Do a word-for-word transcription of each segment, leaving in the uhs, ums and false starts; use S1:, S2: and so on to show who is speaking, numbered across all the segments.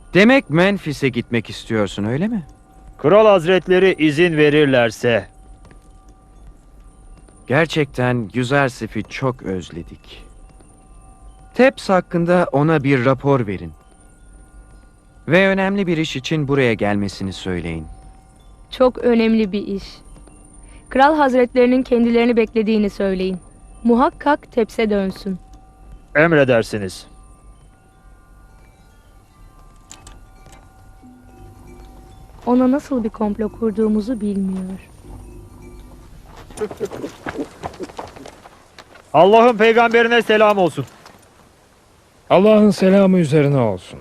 S1: Demek Memphis'e gitmek istiyorsun, öyle mi?
S2: Kral Hazretleri izin verirlerse.
S1: Gerçekten Yüzersif'i çok özledik. Tebs hakkında ona bir rapor verin. Ve önemli bir iş için buraya gelmesini söyleyin.
S3: Çok önemli bir iş. Kral Hazretlerinin kendilerini beklediğini söyleyin. Muhakkak Tebs'e dönsün.
S2: Emredersiniz.
S3: Ona nasıl bir komplo kurduğumuzu bilmiyor.
S2: Allah'ın peygamberine selam olsun.
S4: Allah'ın selamı üzerine olsun.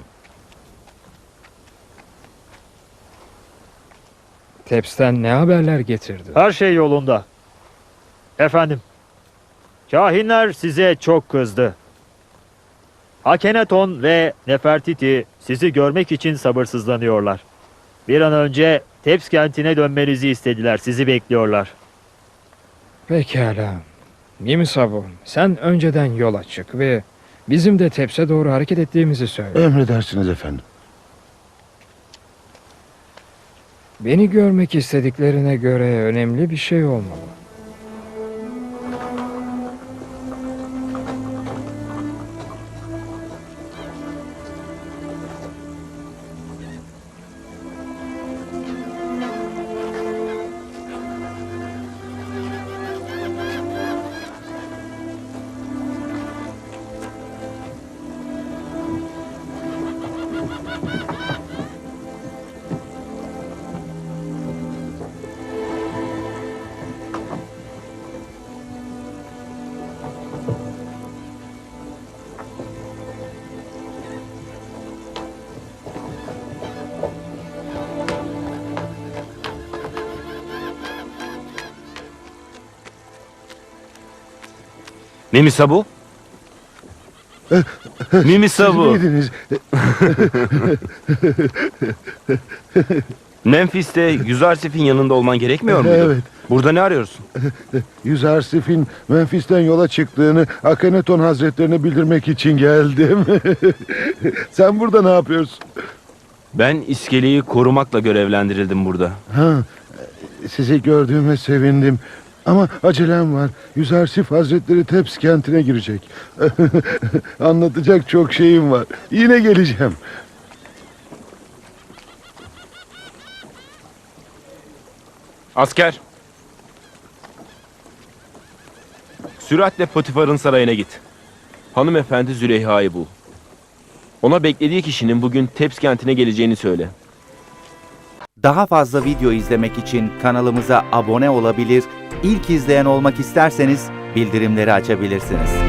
S4: Tebs'ten ne haberler getirdi?
S2: Her şey yolunda. Efendim, kahinler size çok kızdı. Akhenaton ve Nefertiti sizi görmek için sabırsızlanıyorlar. Bir an önce Tebs kentine dönmenizi istediler. Sizi bekliyorlar.
S4: Pekala. Nimisabu, sen önceden yola çık ve bizim de Tebs'e doğru hareket ettiğimizi söyle.
S5: Emredersiniz efendim.
S4: Beni görmek istediklerine göre önemli bir şey olmalı.
S6: Nimisabu? Nimisabu.
S5: Siz miydiniz?
S6: Memphis'te Yüzersif'in yanında olman gerekmiyor muydu?
S5: Evet.
S6: Burada ne arıyorsun?
S5: Yüzersif'in Memphis'ten yola çıktığını Akhenaton Hazretlerine bildirmek için geldim. Sen burada ne yapıyorsun?
S6: Ben iskeleyi korumakla görevlendirildim burada.
S5: Ha, sizi gördüğüme sevindim. Ama acelem var. Yüzersif Hazretleri Tebs kentine girecek. Anlatacak çok şeyim var. Yine geleceğim.
S6: Asker! Süratle Potifar'ın sarayına git. Hanımefendi Züleyha'yı bul. Ona beklediği kişinin bugün Tebs kentine geleceğini söyle.
S7: Daha fazla video izlemek için kanalımıza abone olabilir, ilk izleyen olmak isterseniz bildirimleri açabilirsiniz.